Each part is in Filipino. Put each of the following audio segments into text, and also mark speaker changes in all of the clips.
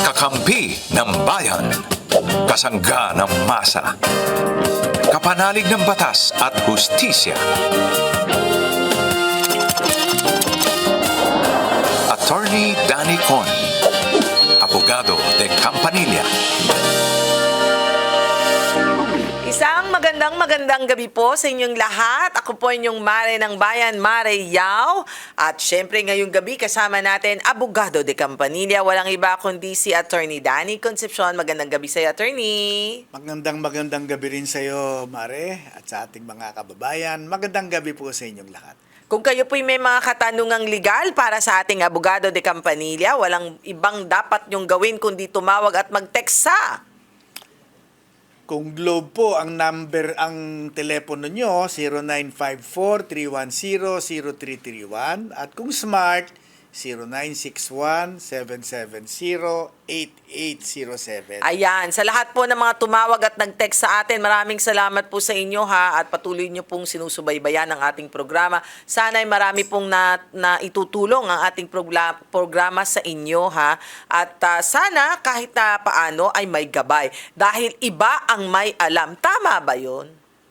Speaker 1: Kakampi ng bayan. Kasangga ng masa. Kapanalig ng batas at hustisya. Attorney Danny Con. Abogado de Campanilla.
Speaker 2: Isang magandang gabi po sa inyong lahat. Ako po inyong Mare ng Bayan, Mare Yao. At syempre ngayong gabi kasama natin Abogado de Campanilla. Walang iba kundi si Attorney Danny Concepcion. Magandang gabi sa iyo, Attorney.
Speaker 3: Magandang gabi rin sa iyo, Mare, at sa ating mga kababayan. Magandang gabi po sa inyong lahat.
Speaker 2: Kung kayo po'y may mga katanungang legal para sa ating Abogado de Campanilla, walang ibang dapat nyong gawin kundi tumawag at mag-text sa...
Speaker 3: Kung Globe po, ang telepono nyo, 0954-310-0331. At kung Smart, 0961-770-8807.
Speaker 2: Ayan, sa lahat po ng mga tumawag at nag-text sa atin, maraming salamat po sa inyo ha at patuloy nyo pong sinusubaybayan ang ating programa. Sana ay marami pong na itutulong ang ating programa sa inyo ha at sana kahit na paano ay may gabay dahil iba ang may alam. Tama ba yun?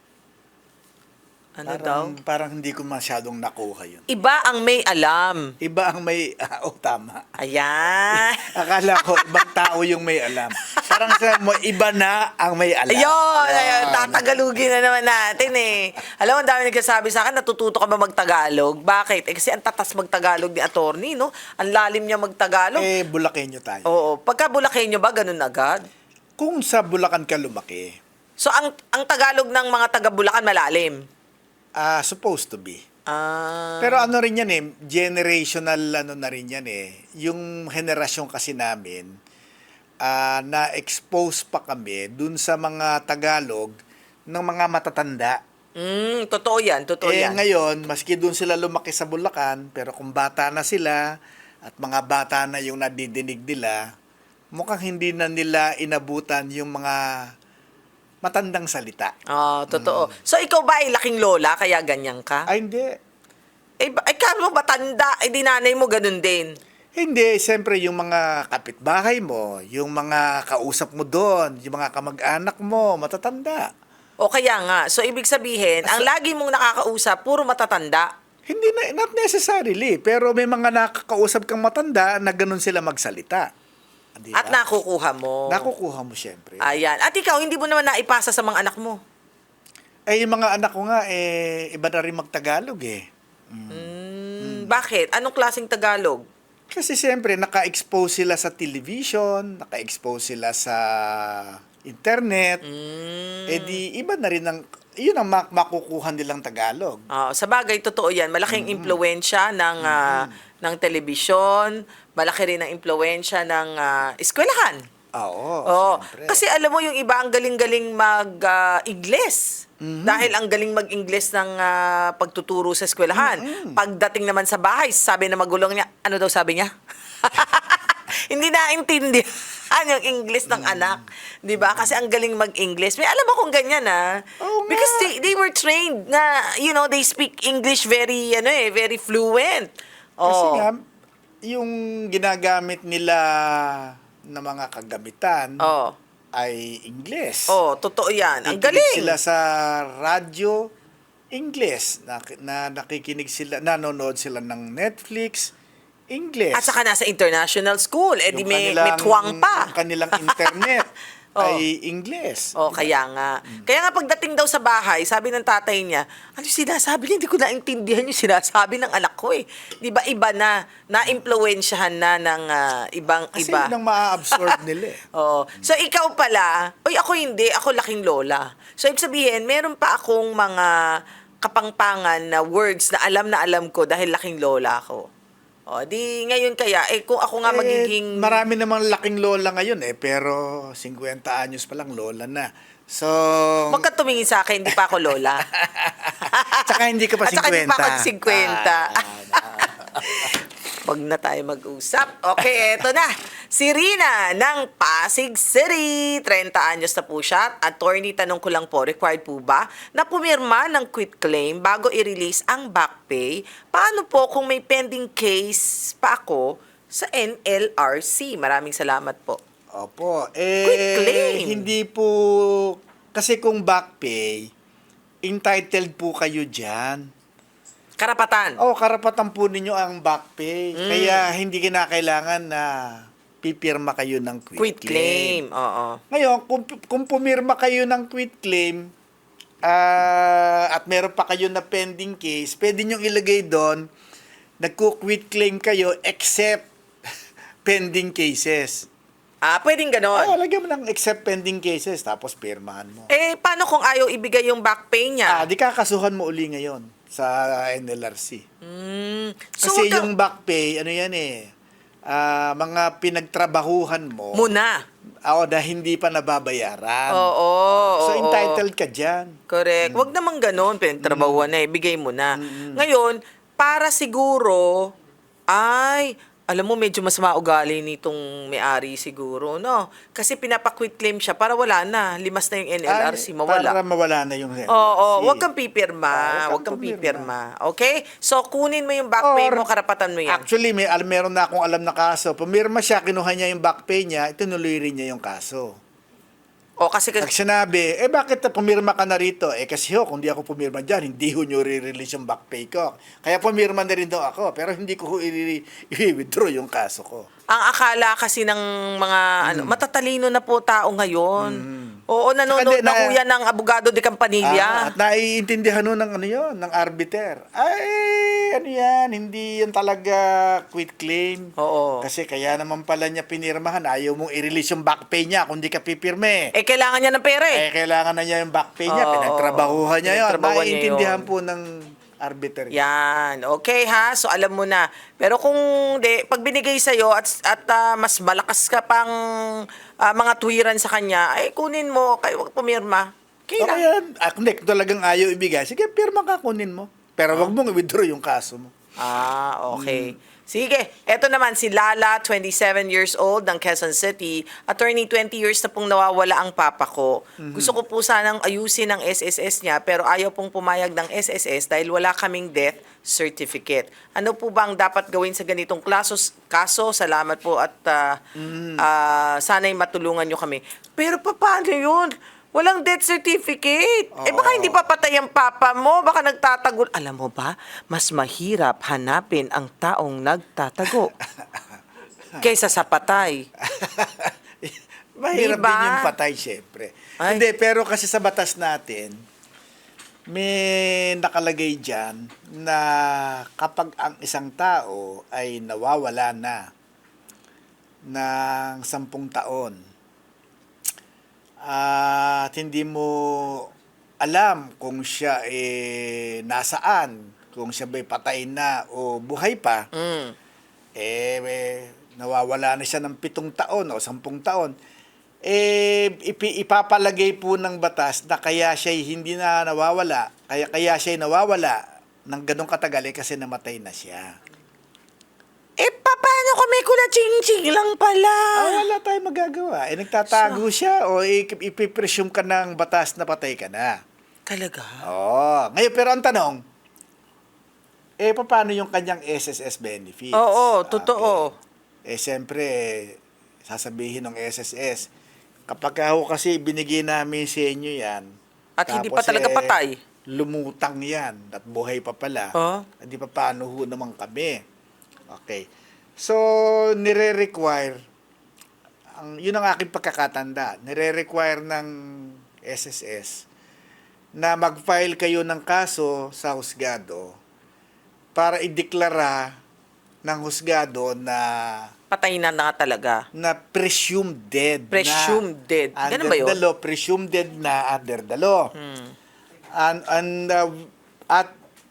Speaker 2: Ano daw?
Speaker 3: Parang hindi ko masyadong nakuha yun.
Speaker 2: Iba ang may alam.
Speaker 3: Iba ang may... tama.
Speaker 2: Ayan.
Speaker 3: Akala ko, ibang tao yung may alam. Parang sabi mo, iba na ang may alam.
Speaker 2: Ayun, tatagalugin na naman natin eh. Alam mo, ang dami nagsasabi sa akin, natututo ka ba magtagalog? Bakit? Kasi ang tatas magtagalog ni attorney, no? Ang lalim niya magtagalog.
Speaker 3: Bulakenyo tayo.
Speaker 2: Oo. Pagka Bulakenyo ba, ganun agad?
Speaker 3: Kung sa Bulacan ka lumaki,
Speaker 2: So, ang Tagalog ng mga taga-Bulacan malalim?
Speaker 3: supposed to be.
Speaker 2: Ah.
Speaker 3: Pero ano rin yan generational na rin yan Yung henerasyon kasi namin, na-expose pa kami dun sa mga Tagalog ng mga matatanda.
Speaker 2: Totoo yan, totoo yan.
Speaker 3: Ngayon, maski dun sila lumaki sa Bulacan, pero kung bata na sila, at mga bata na yung nadidinig nila, mukhang hindi na nila inabutan yung mga matandang salita.
Speaker 2: Totoo. So, ikaw ba ay laking lola, kaya ganyan ka?
Speaker 3: Ay, hindi.
Speaker 2: Kano mo ba tanda? Di nanay mo ganun din.
Speaker 3: Hindi, siyempre yung mga kapitbahay mo, yung mga kausap mo doon, yung mga kamag-anak mo, matatanda.
Speaker 2: O kaya nga, so ibig sabihin, ang lagi mong nakakausap, puro matatanda.
Speaker 3: Hindi not necessarily, pero may mga nakakausap kang matanda na ganun sila magsalita. Diba?
Speaker 2: At nakukuha mo.
Speaker 3: Nakukuha mo siyempre.
Speaker 2: Ayan. At ikaw, hindi mo naman naipasa sa mga anak mo.
Speaker 3: Yung mga anak ko nga, iba na rin magtagalog
Speaker 2: Bakit? Anong klaseng Tagalog?
Speaker 3: Kasi siyempre, naka-expose sila sa television, naka-expose sila sa internet. Di iba na rin yun ang makukuha nilang Tagalog.
Speaker 2: Sa bagay, totoo yan. Malaking impluensya ng telebisyon, malaki rin ang impluensya ng eskwelahan.
Speaker 3: Oo, siyempre.
Speaker 2: Kasi alam mo, yung iba ang galing-galing mag-Ingles. Dahil ang galing mag-Ingles ng pagtuturo sa eskwelahan. Pagdating naman sa bahay, sabi na magulong niya, ano daw sabi niya? Hindi naintindihan yung English ng anak. Di ba? Kasi ang galing mag-English. May alam akong ganyan Because they were trained na, they speak English very, very fluent.
Speaker 3: Kasi nga, yung ginagamit nila na mga kagamitan ay English.
Speaker 2: Totoo yan. Ang
Speaker 3: Nakikinig
Speaker 2: galing.
Speaker 3: sila sa radyo, English. Na nakikinig sila, nanonood sila ng Netflix, English.
Speaker 2: At saka nasa international school. Di
Speaker 3: Yung
Speaker 2: may
Speaker 3: kanilang-
Speaker 2: tuwang pa.
Speaker 3: yung kanilang internet ay English.
Speaker 2: Kaya nga. Kaya nga pagdating daw sa bahay, sabi ng tatay niya, ano sinasabi niya? Hindi ko naintindihan yung sinasabi ng anak ko Di ba iba na, na-impluensyahan na ng ibang
Speaker 3: Kasi
Speaker 2: iba.
Speaker 3: yun ang maa-absorb nila
Speaker 2: So ikaw pala, ako hindi, ako laking lola. So ibig sabihin, meron pa akong mga kapangpangan na words na alam ko dahil laking lola ako. Di ngayon kaya, kung ako nga magiging...
Speaker 3: Marami namang laking lola ngayon pero 50 anyos pa lang lola na. So...
Speaker 2: Huwag ka tumingin sa akin, hindi pa ako lola.
Speaker 3: Tsaka hindi ka pa 50.
Speaker 2: At saka hindi pa ako 50. Huwag na tayo mag-usap. Okay, eto na. Si Rina ng Pasig City. 30 anyos na po siya. Attorney, tanong ko lang po, required po ba na pumirma ng quit claim bago i-release ang back pay? Paano po kung may pending case pa ako sa NLRC. Maraming salamat po.
Speaker 3: Opo.
Speaker 2: Quitclaim.
Speaker 3: Hindi po, kasi kung back pay, entitled po kayo dyan.
Speaker 2: Karapatan.
Speaker 3: Karapatan po ninyo ang back pay. Kaya hindi kinakailangan na pipirma kayo ng
Speaker 2: Quit claim. Oo.
Speaker 3: Ngayon, kung pumirma kayo ng quit claim, at meron pa kayo na pending case, pwede nyo ilagay doon, nagko-quit claim kayo except pending cases.
Speaker 2: Pwedeng ganon.
Speaker 3: Lagyan mo ng except pending cases, tapos pirmahan mo.
Speaker 2: Paano kung ayaw ibigay yung back pay niya?
Speaker 3: Di kakasuhan mo uli ngayon sa NLRC.
Speaker 2: So,
Speaker 3: Kasi yung back pay, ano yan mga pinagtrabahuhan mo.
Speaker 2: Muna.
Speaker 3: Na hindi pa nababayaran.
Speaker 2: Oo.
Speaker 3: So, entitled ka dyan.
Speaker 2: Correct. Wag naman ganon. Pinagtrabahuan na bigay mo na. Ngayon, para siguro, alam mo, medyo mas maugali nitong may-ari siguro, no? Kasi pinapa-quit claim siya para wala na. Limas na yung NLRC, mawala.
Speaker 3: Para mawala na yung NLRC.
Speaker 2: Oo, wag kang pipirma.
Speaker 3: Wag
Speaker 2: Wag
Speaker 3: kang
Speaker 2: kang pipirma. Okay? So, kunin mo yung back pay mo, karapatan mo yan.
Speaker 3: Actually, meron na akong alam na kaso. Pumirma siya, kinuha niya yung back pay niya, itinuloy rin niya yung kaso.
Speaker 2: Kasi
Speaker 3: Pag sinabi, bakit pumirma ka na rito? Kasi kung di ako pumirma dyan, hindi ho nyo re-release yung back pay ko. Kaya pumirma na rin daw ako, pero hindi ko i-withdraw yung kaso ko.
Speaker 2: ang akala kasi ng mga matatalino na po tao ngayon. Oo, nanonood
Speaker 3: Saka
Speaker 2: na ho yan ng abogado de Campanilla.
Speaker 3: At naiintindihan nun ng arbiter. Yan, hindi yan talaga quit claim.
Speaker 2: Oo.
Speaker 3: Kasi kaya naman pala niya pinirmahan, ayaw mong i-release yung back pay niya kung di ka pipirme.
Speaker 2: Kailangan niya ng pera
Speaker 3: Kailangan na niya yung back pay niya,
Speaker 2: Oo.
Speaker 3: pinagtrabahuhan niya yun.
Speaker 2: Pinagtrabahuhan niya
Speaker 3: Naiintindihan
Speaker 2: yun.
Speaker 3: po ng arbiter.
Speaker 2: Yan. Okay ha? So alam mo na. Pero kung pag binigay sa'yo at mas malakas ka pang mga tuwiran sa kanya, kunin mo, kayo wag pumirma. Okay
Speaker 3: Okay
Speaker 2: lang.
Speaker 3: yan. Kung talagang ayaw ibigay, sige, pirma ka, kunin mo. Pero wag mong i-withdraw yung kaso mo.
Speaker 2: Okay. Sige, eto naman si Lala, 27 years old, ng Quezon City. Attorney, 20 years na pong nawawala ang papa ko. Gusto ko po sanang ayusin ang SSS niya, pero ayaw pong pumayag ng SSS dahil wala kaming death certificate. Ano po ba ang dapat gawin sa ganitong kaso? Salamat po at sana'y matulungan nyo kami. Pero paano yun? Walang death certificate. Baka hindi pa patay ang papa mo. Baka nagtatagol. Alam mo ba, mas mahirap hanapin ang taong nagtatago kaysa sa patay.
Speaker 3: Mahirap
Speaker 2: Diba?
Speaker 3: din yung patay, syempre.
Speaker 2: Ay.
Speaker 3: Hindi, pero kasi sa batas natin, may nakalagay dyan na kapag ang isang tao ay nawawala na ng 10 taon, at hindi mo alam kung siya nasaan, kung siya ba'y patay na o buhay pa, nawawala na siya ng 7 taon o 10 taon, ipapalagay po ng batas na kaya siya hindi na nawawala, kaya siya nawawala ng ganong katagal kasi namatay na siya.
Speaker 2: Paano kung may kula-ching-ching lang pala?
Speaker 3: Wala tayong magagawa. Nagtatago siya o ipipresume ka ng batas na patay ka na.
Speaker 2: Talaga?
Speaker 3: Ngayon, pero ang tanong, paano yung kanyang SSS benefits?
Speaker 2: Oo, totoo.
Speaker 3: Siyempre, sasabihin ng SSS, kapag ako kasi binigay namin sa inyo yan,
Speaker 2: At hindi
Speaker 3: tapos,
Speaker 2: pa talaga patay.
Speaker 3: lumutang yan, at buhay pa pala, hindi pa paano ho naman kami. Okay. So, nire-require, yun ang aking pagkakatanda, nire-require ng SSS na mag-file kayo ng kaso sa husgado para ideklara ng husgado na
Speaker 2: Patay na talaga.
Speaker 3: presumed dead.
Speaker 2: Presumed dead. Ganun ba yun?
Speaker 3: Under the law, presumed dead na under the law. At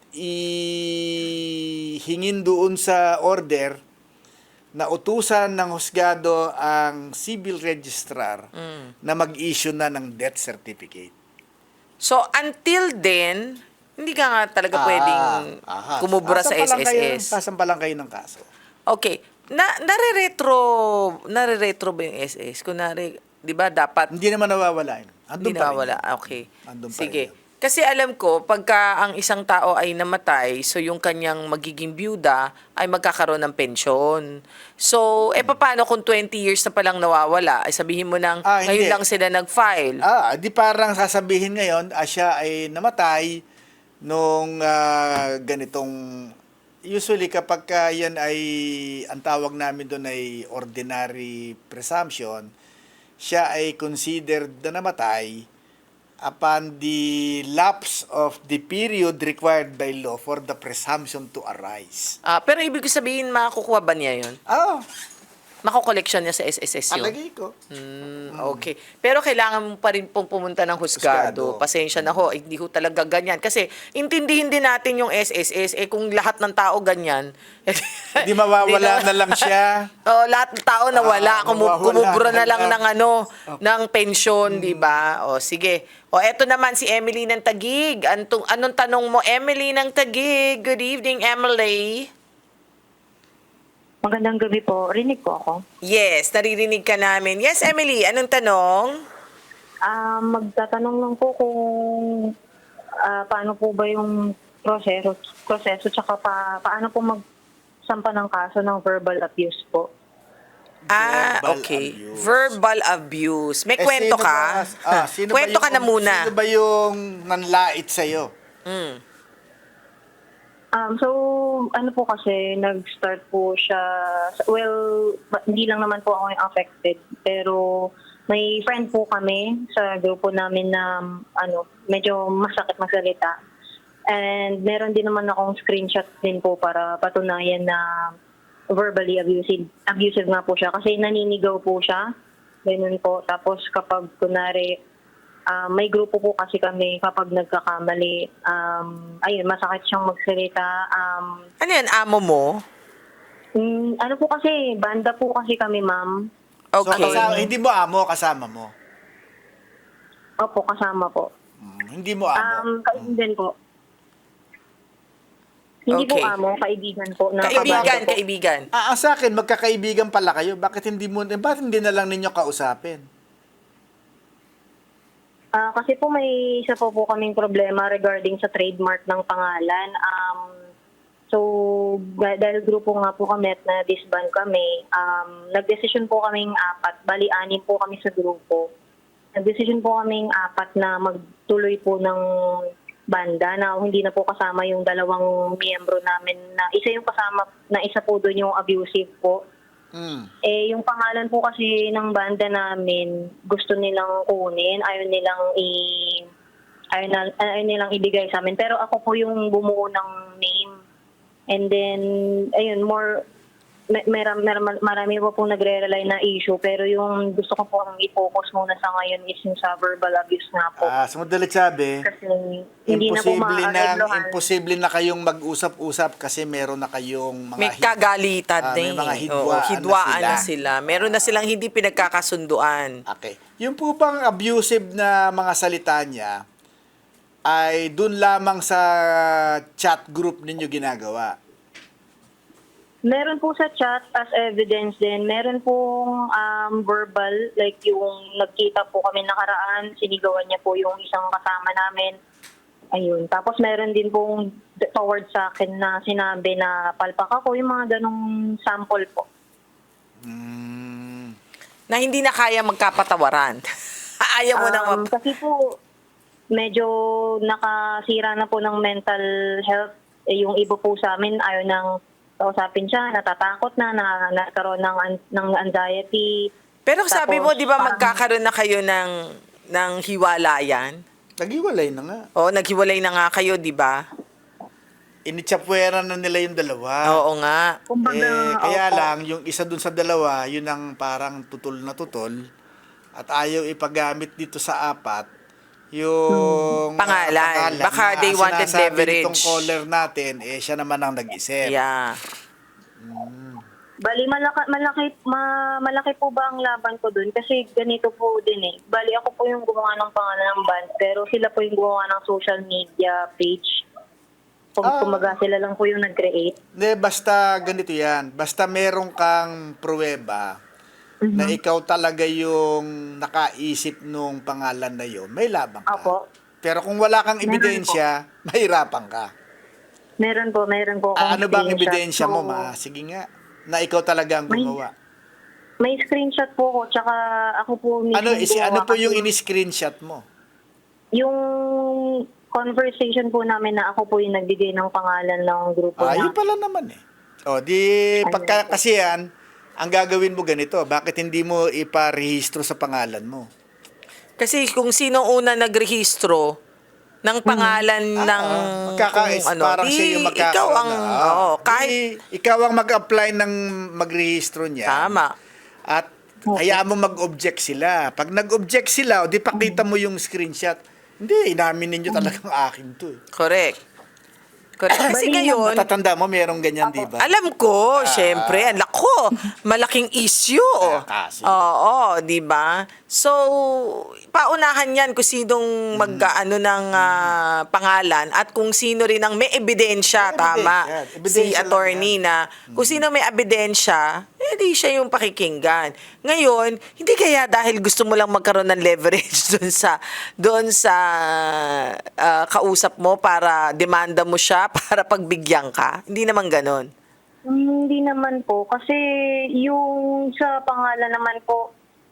Speaker 3: ihingin doon sa order na utusan ng husgado ang civil registrar na mag-issue na ng death certificate.
Speaker 2: So, until then, hindi ka nga talaga pwedeng kumubra sa SSS.
Speaker 3: Kasan pa lang kayo ng kaso.
Speaker 2: Okay. Nare-retro ba yung SS? Kunwari, di ba dapat
Speaker 3: Hindi naman nawawala yun.
Speaker 2: hindi
Speaker 3: Andun pa rin
Speaker 2: nawawala?
Speaker 3: yun.
Speaker 2: Okay.
Speaker 3: Andun pa
Speaker 2: Sige.
Speaker 3: rin yun.
Speaker 2: Kasi alam ko, pagka ang isang tao ay namatay, so yung kanyang magiging byuda ay magkakaroon ng pensyon. So, paano kung 20 years na palang nawawala? Ay sabihin mo nang ngayon
Speaker 3: Hindi.
Speaker 2: lang sila nag-file.
Speaker 3: Di parang sasabihin ngayon, siya ay namatay nung ganitong, usually kapag yan ay, ang tawag namin doon ay ordinary presumption, siya ay considered na namatay upon the lapse of the period required by law for the presumption to arise.
Speaker 2: Pero ibig sabihin, makukuha ba niya yun? Makukoleksyon niya sa SSS yun?
Speaker 3: Palagay ko.
Speaker 2: Okay. Pero kailangan mo pa rin pong pumunta ng husgado.
Speaker 3: Husgado.
Speaker 2: Pasensya na ho, hindi ho talaga ganyan. Kasi intindihin din natin yung SSS, kung lahat ng tao ganyan.
Speaker 3: Hindi mawawala na lang siya.
Speaker 2: Lahat ng tao nawala.
Speaker 3: Mawawala
Speaker 2: Kumubura na
Speaker 3: na
Speaker 2: lang
Speaker 3: lang.
Speaker 2: ng pensyon, di ba? Sige. Eto naman si Emily ng Taguig. Anong tanong mo, Emily ng Taguig? Good evening, Emily.
Speaker 4: Magandang gabi po. Rinig po ako.
Speaker 2: Yes, naririnig ka namin. Yes, Emily, anong tanong?
Speaker 4: Magtatanong lang po kung paano po ba yung proseso tsaka paano po magsampa ng kaso ng verbal abuse po.
Speaker 3: Verbal
Speaker 2: Okay.
Speaker 3: abuse.
Speaker 2: Verbal abuse. May kwento ka? Kwento ka na muna.
Speaker 3: Sino ba yung nanlait sa'yo?
Speaker 4: So, ano po kasi, nag-start po siya, hindi lang naman po ako yung affected, pero may friend po kami sa grupo namin na, medyo masakit magsalita. And meron din naman akong screenshot din po para patunayan na verbally abusive nga po siya. Kasi naninigaw po siya, ganun po. Tapos kapag kunwari, may grupo po kasi kami kapag nagkakamali, masakit siyang magsalita.
Speaker 2: Ano yan, amo mo?
Speaker 4: Ano po kasi, banda po kasi kami, ma'am.
Speaker 2: Okay.
Speaker 3: So, hindi mo amo, kasama mo.
Speaker 4: Opo, kasama po.
Speaker 3: Hindi mo amo.
Speaker 4: Kaibigan po. Hindi
Speaker 2: Okay.
Speaker 4: po amo, kaibigan po.
Speaker 2: Kaibigan.
Speaker 3: Sa akin, magkakaibigan pala kayo. Bakit hindi na lang ninyo kausapin?
Speaker 4: Kasi po may isa po kaming problema regarding sa trademark ng pangalan. So, dahil grupo nga po kami at na-disband kami, nag-decision po kaming 4, bali 6 po kami sa grupo. Nag-decision po kaming 4 na magtuloy po ng banda na hindi na po kasama yung 2 miyembro namin na isa yung kasama na isa po doon yung abusive po. Yung pangalan po kasi ng banda namin, gusto nilang kunin, ayaw nilang ibigay sa amin. Pero ako po yung bumuo ng name. And then, ayun, marami po pong nagre-rely na issue. Pero yung gusto ko po i-focus muna sa ngayon is yung sa verbal abuse nga po.
Speaker 3: Sa madalit sabi,
Speaker 4: Kasi hindi na po maareglohan.
Speaker 3: imposible na kayong mag-usap-usap kasi meron na kayong mga
Speaker 2: May kagalitan
Speaker 3: may mga
Speaker 2: hidwaan na
Speaker 3: sila.
Speaker 2: sila. Meron na silang hindi pinagkakasunduan.
Speaker 3: Okay. Yung po bang abusive na mga salita niya ay dun lamang sa chat group ninyo ginagawa?
Speaker 4: Meron po sa chat as evidence din. Meron pong verbal, like yung nagkita po kami nakaraan, sinigawan niya po yung isang kasama namin. Ayun. Tapos meron din pong towards sa akin na sinabi na palpak ako, yung mga ganong sample po.
Speaker 2: Na hindi na kaya magkapatawaran. Ayaw mo nang
Speaker 4: Kasi po, medyo nakasira na po ng mental health. Yung iba po sa amin, ayaw nang kausapin siya, natatakot na, nagkaroon ng anxiety.
Speaker 2: Pero sabi mo,
Speaker 4: Tapos,
Speaker 2: di ba
Speaker 4: parang-
Speaker 2: magkakaroon na kayo ng hiwalayan?
Speaker 3: Naghiwalay na nga.
Speaker 2: Naghiwalay na nga kayo, di ba?
Speaker 3: Initsapwera na nila yung dalawa.
Speaker 2: Oo nga.
Speaker 4: Kumbaga,
Speaker 3: Kaya
Speaker 4: opo.
Speaker 3: lang, yung isa dun sa dalawa, yun ang parang tutol na tutol. At ayaw ipagamit dito sa 4, yung
Speaker 2: Pangalan. Baka
Speaker 3: na
Speaker 2: they wanted
Speaker 3: sinasabi
Speaker 2: leverage.
Speaker 3: nitong caller natin, siya naman ang nag-isip.
Speaker 2: Yeah.
Speaker 4: Bali, malaki po ba ang laban ko dun? Kasi ganito po din eh. Bali, ako po yung gumawa ng pangalan ng band, pero sila po yung gumawa ng social media page. Kumaga sila lang po yung nag-create.
Speaker 3: Hindi, basta ganito yan. Basta meron kang pruweba na ikaw talaga yung nakaisip nung pangalan na yun, may labang ka.
Speaker 4: Opo.
Speaker 3: Pero kung wala kang
Speaker 4: Meron
Speaker 3: ebidensya, mahirapan ka.
Speaker 4: Meron po akong
Speaker 3: Ano ba ang
Speaker 4: screenshot.
Speaker 3: ebidensya mo,
Speaker 4: So,
Speaker 3: ma? Sige nga. Na ikaw talaga ang gumawa.
Speaker 4: May screenshot po ko, tsaka ako po mismo
Speaker 3: Ano
Speaker 4: gumawa
Speaker 3: po yung
Speaker 4: kasi
Speaker 3: ini-screenshot mo?
Speaker 4: yung conversation po namin na ako po yung nagbigay ng pangalan ng grupo
Speaker 3: Yun
Speaker 4: na.
Speaker 3: pala naman eh. O, di, pagka, kasi yan, ang gagawin mo ganito, bakit hindi mo iparehistro sa pangalan mo?
Speaker 2: Kasi kung sino una nagrehistro ng pangalan ng
Speaker 3: Magkakais,
Speaker 2: kung ano,
Speaker 3: parang
Speaker 2: di
Speaker 3: siya yung magkakaroon
Speaker 2: ikaw ang, oo, kahit,
Speaker 3: ikaw ang mag-apply ng magrehistro niya.
Speaker 2: tama.
Speaker 3: At hayaan mo mag-object sila. Pag nag-object sila, o di pakita mo yung screenshot. Hindi, inamin ninyo talagang akin to eh.
Speaker 2: Correct. Kasi ngayon,
Speaker 3: Matatanda mo, merong ganyan, di ba?
Speaker 2: alam ko, syempre, ang lako, malaking issue.
Speaker 3: Kasi.
Speaker 2: Oo, di ba? So, paunahan yan kung sinong mag-ano ng pangalan at kung sino rin ang may ebidensya,
Speaker 3: May
Speaker 2: tama.
Speaker 3: ebidensya.
Speaker 2: Si
Speaker 3: Ebidensya lang
Speaker 2: attorney na, kung sino may ebidensya, di siya yung pakikinggan. Ngayon, hindi kaya dahil gusto mo lang magkaroon ng leverage doon sa kausap mo para demanda mo siya para pagbigyan ka? Hindi naman ganon.
Speaker 4: Hindi naman po. Kasi yung sa pangalan naman po,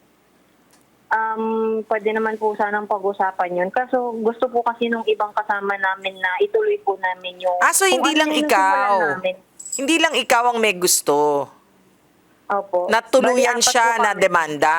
Speaker 4: pwede naman po sanang pag-usapan yun. Kaso gusto po kasi nung ibang kasama namin na ituloy po namin yung...
Speaker 2: So hindi
Speaker 4: kung
Speaker 2: lang
Speaker 4: ano yung
Speaker 2: ikaw.
Speaker 4: nasimulan namin.
Speaker 2: Hindi lang ikaw ang may gusto.
Speaker 4: Opo.
Speaker 2: Natuluyan
Speaker 4: Bali, apat
Speaker 2: siya
Speaker 4: po
Speaker 2: na
Speaker 4: kami.
Speaker 2: demanda.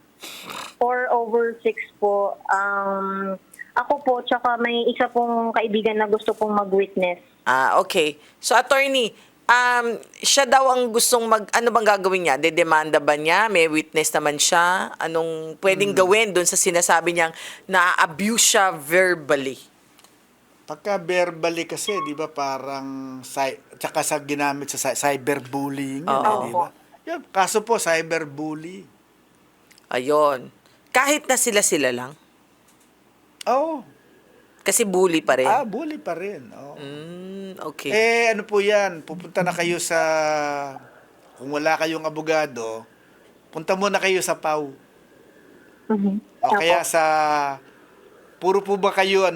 Speaker 4: 4/6 po. Ako po, tsaka may isa pong kaibigan na gusto pong mag-witness.
Speaker 2: Okay. So attorney, siya daw ang gustong ano bang gagawin niya? Dedemanda ba niya? May witness naman siya? Anong pwedeng gawin doon sa sinasabi niyang na-abuse siya verbally?
Speaker 3: Pagka verbally kasi, di ba, parang, tsaka sa ginamit sa cyberbullying, yun,
Speaker 2: Oo.
Speaker 3: di ba? Yan, kaso po, cyberbully.
Speaker 2: Ayon. Kahit na sila lang.
Speaker 3: Oh,
Speaker 2: Kasi bully pa rin.
Speaker 3: bully pa rin. Oh.
Speaker 2: Okay.
Speaker 3: Ano po yan, pupunta na kayo sa, kung wala kayong abogado, punta muna kayo sa PAW. O kaya sa, puro po ba kayo,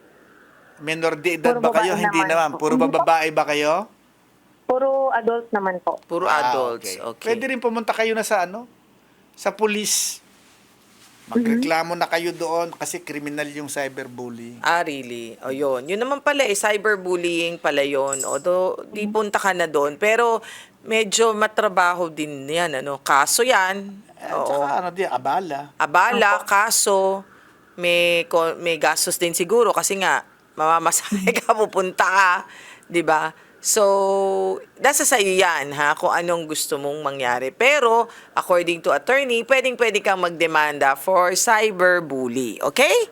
Speaker 3: menor de edad
Speaker 4: Puro
Speaker 3: ba kayo?
Speaker 4: babae
Speaker 3: Hindi
Speaker 4: naman
Speaker 3: naman.
Speaker 4: po.
Speaker 3: Puro babae ba kayo?
Speaker 4: Puro adult naman po.
Speaker 2: Puro adults. Okay.
Speaker 3: Pwede rin pumunta kayo na sa sa police. Magreklamo na kayo doon kasi kriminal yung cyberbullying.
Speaker 2: Really? O yun. Yun naman pala cyberbullying pala yun. Although, di punta ka na doon. Pero, medyo matrabaho din yan, Kaso yan. Oo.
Speaker 3: Tsaka abala.
Speaker 2: Abala, kaso, may gastos din siguro kasi nga, mamamasahe ka, pupunta ka. 'Di ba? So, nasa sa'yo yan, kung anong gusto mong mangyari. Pero, according to attorney, pwedeng-pwede kang magdemanda for cyberbully. Okay?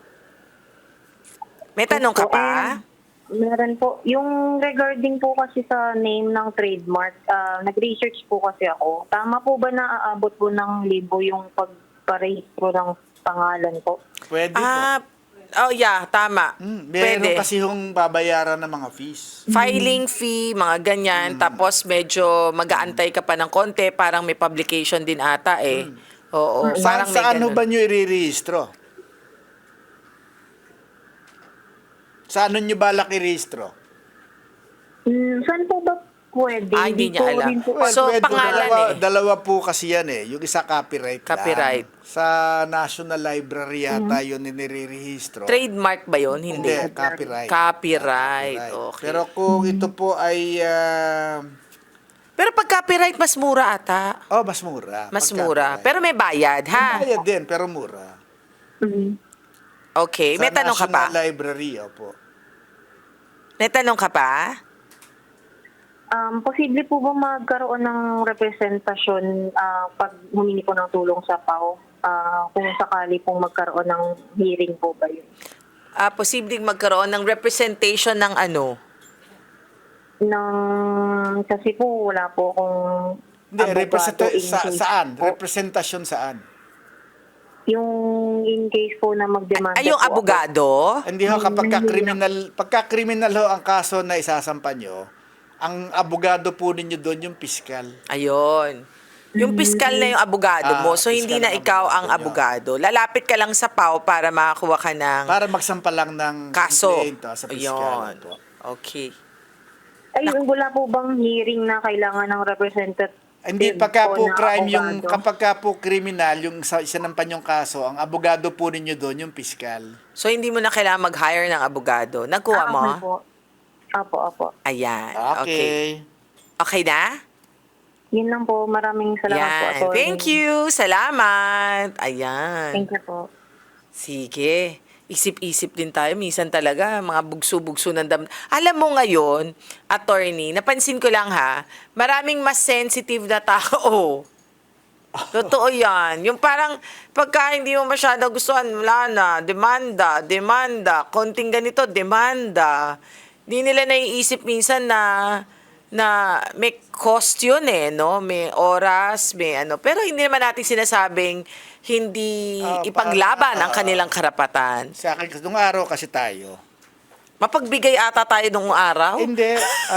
Speaker 2: May tanong ka pa?
Speaker 4: Meron po. Yung regarding po kasi sa name ng trademark, nag-research po kasi ako. Tama po ba na aabot po ng libo yung pagparehistro ng pangalan ko?
Speaker 3: Pwede po.
Speaker 2: Tama.
Speaker 3: Meron
Speaker 2: Pwede.
Speaker 3: kasi yung babayaran ng mga fees.
Speaker 2: Filing fee, mga ganyan. Tapos medyo mag-aantay ka pa ng konti. Parang may publication din ata eh. Oo. Parang may
Speaker 3: Saan
Speaker 2: ganun.
Speaker 3: ba nyo i-rehistro? Saan nyo balak i-rehistro?
Speaker 4: Saan po ba pwede?
Speaker 2: Hindi niya
Speaker 4: ko
Speaker 2: alam.
Speaker 4: rin po
Speaker 2: So,
Speaker 3: Pwede,
Speaker 2: pangalan
Speaker 3: dalawa po kasi yan eh. Yung isa copyright
Speaker 2: Copyright.
Speaker 3: lang. Sa National Library yata yun nire-rehistro.
Speaker 2: Trademark ba yun? Hindi.
Speaker 3: Copyright.
Speaker 2: Copyright. Okay.
Speaker 3: Pero kung ito po ay
Speaker 2: Pero pag copyright, mas mura ata.
Speaker 3: mas mura.
Speaker 2: Mas
Speaker 3: Pag
Speaker 2: mura.
Speaker 3: copyright.
Speaker 2: Pero may bayad, ha?
Speaker 3: Bayad din, pero mura.
Speaker 2: Okay. May
Speaker 3: Sa
Speaker 2: tanong ka pa?
Speaker 3: National Library, opo.
Speaker 2: May tanong ka pa?
Speaker 4: Posible po ba magkaroon ng representasyon pag humingi po ng tulong sa PAO? Kung sakali pong magkaroon ng hearing po ba yun?
Speaker 2: Posibleng magkaroon ng representation ng ano?
Speaker 4: Kasi po wala po akong
Speaker 3: Hindi,
Speaker 4: abogado in case
Speaker 3: saan?
Speaker 4: po.
Speaker 3: Representasyon saan?
Speaker 4: Yung in case po na magdemanda
Speaker 2: Ay, yung
Speaker 4: po ako.
Speaker 2: abogado?
Speaker 3: Hindi ho, pagka criminal ho ang kaso na isasampa nyo, ang abogado po ninyo doon yung piskal.
Speaker 2: Ayun. Yung piskal na yung abogado mo, so hindi
Speaker 3: piskal
Speaker 2: na
Speaker 3: ang
Speaker 2: ikaw ang
Speaker 3: abogado,
Speaker 2: abogado. Lalapit ka lang sa PAO para makakuha ka ng
Speaker 3: Para magsampa lang ng
Speaker 2: kaso.
Speaker 3: complaint sa piskal.
Speaker 2: Ayun. Okay.
Speaker 4: Ay, wala po bang hearing na kailangan ng representative?
Speaker 3: Hindi, pagka po
Speaker 4: na
Speaker 3: crime, yung
Speaker 4: abogado?
Speaker 3: kapag ka po kriminal, yung isinampan yung kaso, ang abogado po ninyo doon, yung piskal.
Speaker 2: So hindi mo na kailangan mag-hire ng abogado. Nagkuha mo?
Speaker 4: Okay po. Apo.
Speaker 2: Ayan.
Speaker 3: Okay.
Speaker 2: Okay na?
Speaker 4: Yun lang po. Maraming salamat po,
Speaker 2: Yan.
Speaker 4: attorney.
Speaker 2: Thank you. Salamat. Ayan.
Speaker 4: Thank you po.
Speaker 2: Sige. Isip-isip din tayo. Minsan talaga, mga bugso-bugso ng Alam mo ngayon, attorney, napansin ko lang ha, maraming mas sensitive na tao. Totoo yan. Yung parang, pagka hindi mo masyado gustuhan, wala na, demanda, konting ganito, demanda. Di nila naiisip minsan na may cost yun no? May oras, may ano. Pero hindi naman natin sinasabing hindi ipaglaban ang kanilang karapatan.
Speaker 3: Sa akin, nung araw kasi tayo.
Speaker 2: Mapagbigay ata tayo nung araw.
Speaker 3: Hindi.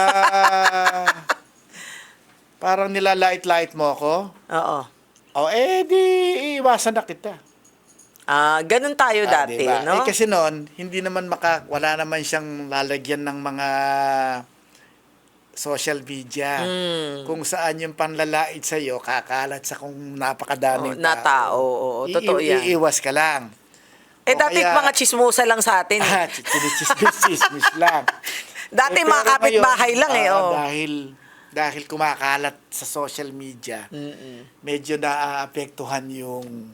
Speaker 3: Parang nilalait-lait mo ako.
Speaker 2: Oo.
Speaker 3: Di iwasan na kita.
Speaker 2: Ganun tayo dati,
Speaker 3: Diba?
Speaker 2: no?
Speaker 3: Kasi noon, hindi naman wala naman siyang lalagyan ng mga social media. Kung saan yung panlalait sa'yo, kakalat sa kung napakadaming
Speaker 2: na tao. Oo, totoo yan.
Speaker 3: Iiwas ka lang.
Speaker 2: Dati mga chismosa lang sa atin.
Speaker 3: Chinichismis lang.
Speaker 2: Dati
Speaker 3: Pero
Speaker 2: mga kapitbahay
Speaker 3: ngayon,
Speaker 2: lang oh.
Speaker 3: Dahil kumakalat sa social media, medyo naaapektuhan yung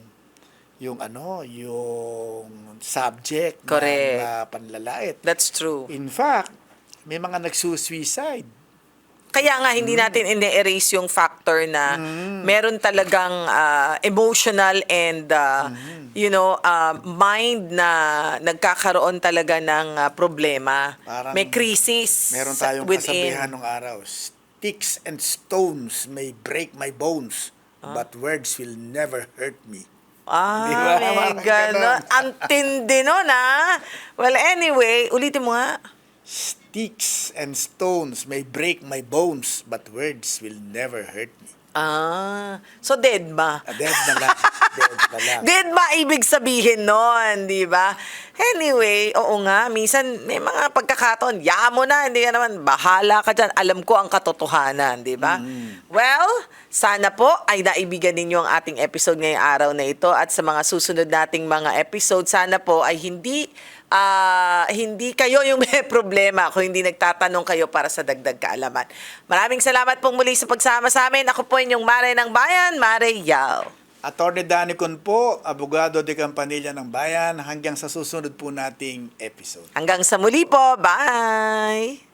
Speaker 3: subject
Speaker 2: Correct.
Speaker 3: na panlalait.
Speaker 2: That's true.
Speaker 3: In fact, may mga nagsusuicide.
Speaker 2: Kaya nga hindi natin ine-erase yung factor na meron talagang emotional and mind na nagkakaroon talaga ng problema.
Speaker 3: Parang
Speaker 2: may crisis
Speaker 3: Meron tayong
Speaker 2: within.
Speaker 3: kasabihan nung araw, sticks and stones may break my bones, but words will never hurt me. Di ba?
Speaker 2: May
Speaker 3: Parang
Speaker 2: gano'n.
Speaker 3: ganon.
Speaker 2: Ang tindi nun, Well, anyway, ulitin mo nga.
Speaker 3: Sticks and stones may break my bones, but words will never hurt me.
Speaker 2: So dead ba?
Speaker 3: Dead na lang. Dead na lang.
Speaker 2: Dead ba ibig sabihin nun, di ba? Anyway, oo nga, minsan may mga pagkakataon, mo na, hindi ka naman, bahala ka dyan, alam ko ang katotohanan, di ba? Well, sana po ay naibigan ninyo ang ating episode ngayong araw na ito at sa mga susunod nating mga episode, sana po ay hindi kayo yung may problema kung hindi nagtatanong kayo para sa dagdag kaalaman. Maraming salamat pong muli sa pagsama sa amin. Ako po inyong Mare ng Bayan, Mare Yao.
Speaker 3: Attorney Danny Con po, abogado de Campanilla ng Bayan, hanggang sa susunod po nating episode.
Speaker 2: Hanggang sa muli po. Bye!